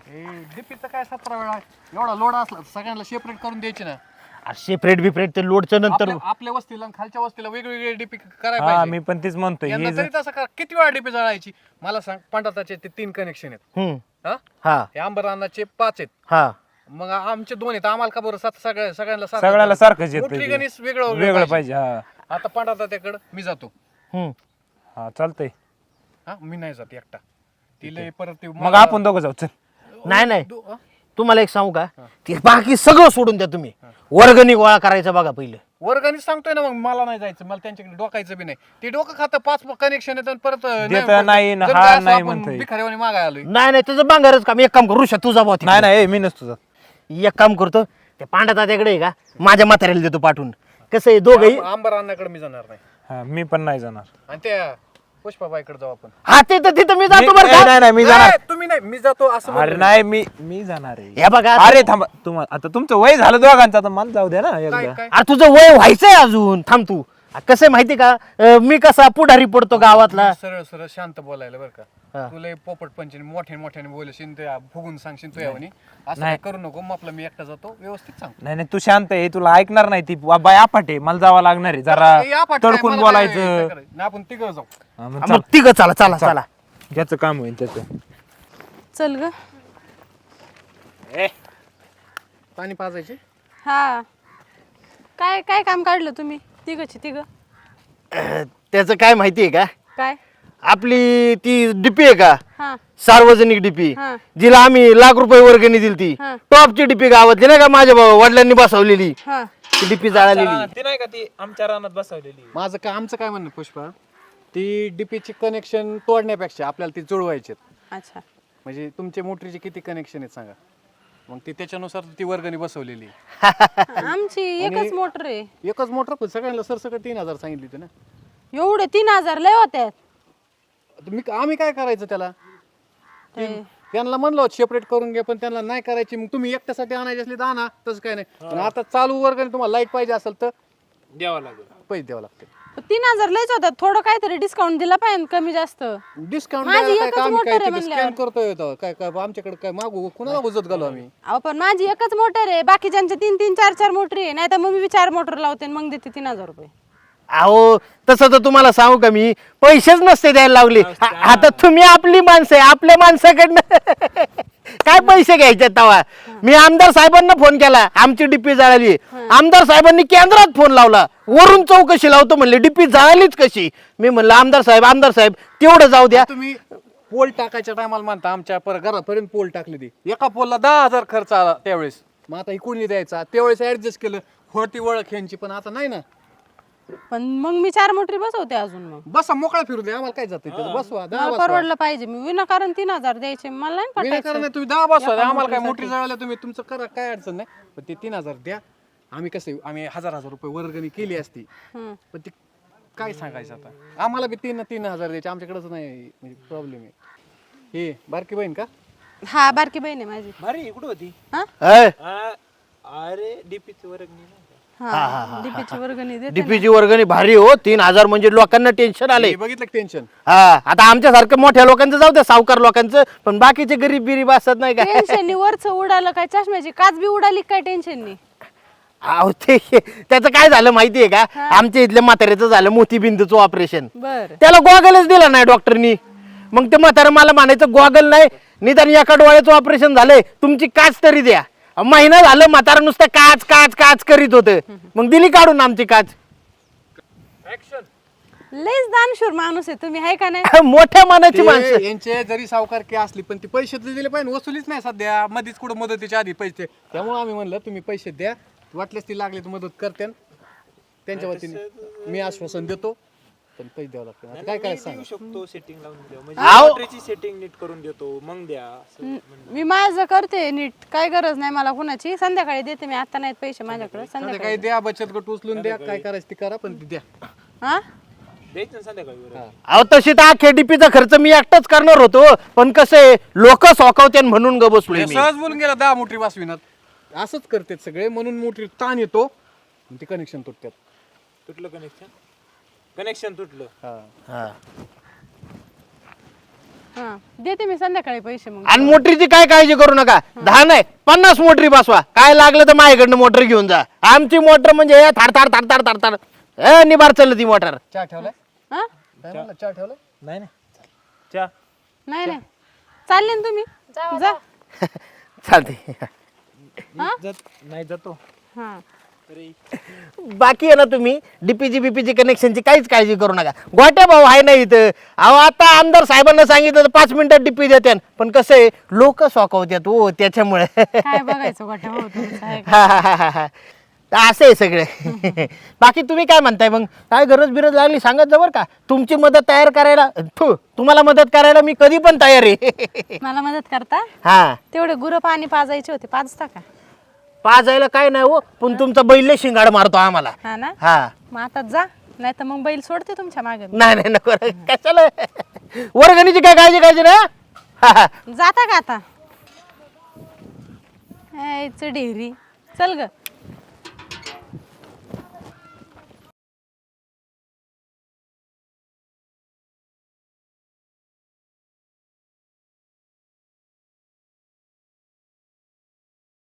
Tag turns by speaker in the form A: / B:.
A: डीपीचं काय 17 वेळा एवढा लोड असला सगळ्यांना सेपरेट करून द्यायचे ना.
B: सेपरेट बिपरेट ते लोडचं नंतर
A: आपल्या वस्तीला आणि खालच्या वस्तीला वेगवेगळे डीपी करायला
C: हा
A: पाहिजे.
C: मी पण तेच म्हणतोय
A: यंदा तरी तसं करा. किती वेळा डीपी जळायची मला सांग. पंढरताचे ते 3 कनेक्शन आहेत.
B: हा
A: हे अंबरानाचे 5 आहेत.
B: हा
A: मग आमचे 2 आहेत. आम्हाला का बरं सगळ्यांना
C: सगळ्याला सारखंच येतं
A: मोठी
C: ते.
A: गणेश वेगळं
C: वेगळं पाहिजे. हा
A: आता पंढरताच्याकडे मी जातो.
C: हा चालतंय.
A: मी नाही जात एकटा. तिला परत ते
C: मग आपण दोघं जाऊ चल.
B: नाही तुम्हाला एक सांगू का ते बाकी सगळं सोडून द्या तुम्ही. वर्गणी गोळा करायचा बघा पहिलं.
A: वर्गाने सांगतोय ना. मग मला नाही जायचं. मला त्यांच्याकडे डोकायचं बी नाही. ते डोकं खातं 5 कनेक्शन येतं परत
C: नाही ना, हा नाही म्हणतोय.
A: भिकाऱ्यावानी मागाय आलोय.
B: नाही तुझं बांगारच काम. एक काम करू तू जा बुवा तिकडे.
C: नाही मी नसतो जात.
B: एक काम करतो ते पांडा तात्याकडे आहे का माझ्या म्हाताऱ्याला देतो पाठवून. कसं आहे दोघंही.
A: आंबर अण्णाकडे मी जाणार नाही.
C: हा मी पण नाही जाणार.
A: आणि त्या पुष्पाबाईकडे जाऊ आपण.
B: हा ते तर तिथं मी जातो बरं का.
C: नाही मी जाणार.
A: नाही, तुम्ही नाही मी जातो असं
C: अरे
A: म्हणतोय.
C: नाही मी जाणार आहे.
B: हे बघा
C: अरे थांबा तुम्हाला आता तुमचं वय झालं दोघांचं आता मला जाऊ द्या ना
A: काय
C: एकदा.
A: काय
B: अरे तुझं वय व्हायचंय अजून. थांब तू. कसं आहे माहिती का मी कसा पुढारी पडतो गावातला.
A: सरळ सरळ शांत बोलायला बरं का. तुला पोपट पंचीने मोठ्याने बोलशील ते फुगून सांगशील तू यावनी असं काय करू नको. मग आपलं मी एकटा जातो व्यवस्थित सांग.
C: नाही तू शांत आहे. तुला ऐकणार नाही ती बाय आपाट आहे. मला जावं लागणार आहे जरा तडकून बोलायचं.
A: आपण तिघं जाऊ.
C: हा, मग
B: मग
C: चल.
B: तिघं चला.
C: ज्याचं काम होईल त्याचं.
D: चल ग.
A: पाणी पाजायचे.
D: हा काय काय काम काढलं तुम्ही तिघ
B: त्याचं काय माहिती आहे का
D: काय?
B: आपली ती डीपी आहे का
D: हा
B: सार्वजनिक डीपी
D: हा.
B: जिला आम्ही ₹1,00,000 वर्गणी दिली ती
D: हा.
B: टॉपची डीपी गावातली नाही का माझ्या वडिलांनी बसवलेली
D: हा
B: ती डीपी जाळलेली.
C: ती नाही का ती आमच्या रानात बसवलेली.
A: माझं काय आमचं काय म्हणणं पुष्पा ती डीपीची कनेक्शन तोडण्यापेक्षा आपल्याला ती जुळवायचे.
D: अच्छा.
A: म्हणजे तुमचे मोटरीचे किती कनेक्शन आहेत सांगा. मग ती त्याच्यानुसार ती वर्गणी बसवलेली.
D: आमची एकच मोटर आहे.
A: एकच मोटर पण सगळ्यांना सरसकट 3,000 सांगितली होती ना.
D: एवढे 3,000 लय होत्यात.
A: आम्ही काय करायचं त्याला. त्यांना म्हणलं सेपरेट करून घ्या पण त्यांना नाही करायची. मग तुम्ही एकट्यासाठी आणायची असली तर आणा. तसं काय नाही. पण आता चालू वर्गणी तुम्हाला लाईट पाहिजे असेल तर
C: द्यावं लागेल.
A: पैसे द्यावं लागते.
D: 3,000 लयच होतात. थोडं काहीतरी डिस्काउंट दिला पाहिजे कमी जास्त.
A: डिस्काउंट
D: माझी
A: काय
D: एकच
A: आम्ही
D: मोटर
A: काय
D: आहे
A: तिथे
D: म्हणल्यावर.
A: स्कॅन करतोय तो. काय आमच्याकडे काय मागू कुणाला उजत घालू आम्ही.
D: अहो पण माझी एकच मोटर आहे. बाकीच्यांच्या 3-3, 4-4 मोटरी आहे. नाही तर मग मी 4 मोटर लावते आणि मग देते 3,000 रुपये.
B: अहो तसं तर तुम्हाला सांगू का मी पैसेच नसते द्यायला लावले. आता तुम्ही आपली माणसं आहे आपल्या माणसाकडनं काय पैसे घ्यायचे तवा. मी आमदार साहेबांना फोन केला आमची डीपी जळाली. आमदार साहेबांनी केंद्रात फोन लावला. वरून चौकशी लावतो म्हणले डीपी जळालीच कशी. मी म्हणलं आमदार साहेब तेवढं जाऊ द्या.
A: तुम्ही पोल टाकायच्या टायमाला म्हणता आमच्या घरापर्यंत पोल टाकली ती. एका पोलला 10,000 खर्च आला त्यावेळेस. मग आता इकडून द्यायचा त्यावेळेस ऍडजस्ट केलं. होती ओळख यांची पण आता नाही ना.
D: पण मग मी 4 मोटरी बसवते अजून. मग
A: बसा मोकळा फिरू दे आम्हाला काय जाते बसवा.
D: मला
A: 10 बसवा.
D: परवडलं पाहिजे. मी विनाकारण 3,000 द्यायचे मला नाही
A: विनाकारण
D: पटायचं.
A: नाही, तुम्ही 10 बसवा. आम्हाला काय मोठी जळाल्या तुम्ही तुमचं करा काय अडचण नाही. पण ते 3,000 द्या. आम्ही कसं आम्ही 1,000 रुपये वर्गणी केली असती. पण ते काय सांगायचं आता. आम्हाला बी 3,000 द्यायचे आमच्याकडेच नाही म्हणजे प्रॉब्लेम आहे. हे बारकी बहीण का.
D: हा बारकी बहीण आहे माझी.
C: अरे कुठं होती.
D: हा
C: अरे डीपीची वर्गणी
D: हा डीपीची वर्गणी देते.
B: डीपीची वर्गणी भारी हो. 3,000 म्हणजे लोकांना टेन्शन आले.
A: हे बघितलं टेन्शन.
B: हा आता आमच्यासारखं मोठ्या लोकांचं जाऊ द्या सावकार लोकांचं पण बाकीचे गरीब बिरीब असत नाही का.
D: टेन्शन वरच उडालं काय चष्म्याची काच बी उडाली काय टेन्शन नाही.
B: अहो ते त्याचं काय झालं माहितीये का आमच्या इथल्या म्हाताऱ्याचं झालं मोतीबिंदूचं ऑपरेशन.
D: बर
B: त्याला गॉगलच दिला नाही डॉक्टरनी. मग ते म्हातारं मला म्हणायचं गॉगल नाही निदान एका डोळ्याचं ऑपरेशन झालंय तुमची काच तरी द्या. महिना झालं म्हातारं नुसतं काच काच काच करीत होतं. मग दिली काढून आमची काच.
D: लयच दानशूर माणूस आहे तुम्ही हाय का नाही.
B: मोठ्या मनाची माणसं.
A: यांचे जरी सावकारकी असली पण ती पैसे दिले पाहिजे. वसुलीच नाही सध्या. मध्येच कुठं मदतीच्या आधी पैसे. त्यामुळे आम्ही म्हणलं तुम्ही पैसे द्या. वाटल्यास ती लागली तर मदत करते. त्यांच्या वतीने मी आश्वासन देतो पण पैसे द्यावं लागतं. आता काय करायचं सांगा.
C: शकतो सेटिंग लावून देऊ
B: आहो.
C: म्हणजे सेटिंग नीट करून देतो मग द्या.
D: मी माझं करते नीट. काय गरज नाही मला कुणाची. संध्याकाळी देते मी. आता नाहीत पैसे माझ्याकडे.
A: आता
D: संध्याकाळी
A: काही द्या बचत गट उचलून द्या. काय करायचं ती करा पण ती द्या.
D: हा
C: द्यायचं संध्याकाळी.
B: अहो तशी तर अख्ख्या डीपीचा खर्च मी एकटाच करणार होतो पण कसं आहे लोक सोकावते म्हणून ग बसलोय मी.
A: सहज बोलून गेला 10 मोटरी वाचविनात. असंच करतात सगळे म्हणून मोटरी ताण येतो ते कनेक्शन तुटतात.
C: तुटलं कनेक्शन तुटलं.
B: हा.
D: हा देते मी संध्याकाळी पैसे मग.
B: आणि मोटरीची काय काळजी करू नका, 10 नाही 50 मोटरी बसवा, काय लागलं तर माझ्याकडनं मोटर घेऊन जा. आमची मोटर म्हणजे हे थार थार थार थार थार थार निबार चालली ती मोटर.
A: चहा ठेवलाय
D: हा
A: काय म्हणला, चहा ठेवलाय
C: नाही नाही चहा
D: नाही नाही चालले ना तुम्ही जा.
B: चालते.
C: नाही जातो.
D: हा
B: बाकी आहे ना, तुम्ही डीपीजी बीपीजी कनेक्शनची काहीच काळजी करू नका. गोट्या भाऊ आहे ना इथं. अहो आता आमदार साहेबांना सांगितलं तर 5 मिनिटात डीपी देते, पण कसं आहे लोक सोकवतात हो त्याच्यामुळे.
D: काय बघायचं गोठ्या भाऊ तुमचं आहे का?
B: हा, हा, हा, हा. तर असं आहे सगळं. बाकी तुम्ही काय म्हणताय मग, काय गरज बिरज लागली सांगत जा बरं का. तुमची मदत तयार करायला तुम्हाला मदत करायला मी कधी पण तयार आहे.
D: मला मदत करता?
B: हा
D: तेवढे गुरं पाणी पाजायचे होते, पाजता का?
B: पाजायला काय नाही हो, पण तुमचा बैल शिंगाड मारतो आम्हाला.
D: हा ना,
B: हा
D: मग आता जा, नाही तर मग बैल सोडते तुमच्या मागे.
B: नाही नाही नको, कशाला वर्गणीची काय काळजी करायची ना. हा, हा.
D: जाता का आता? ढेरी चल ग.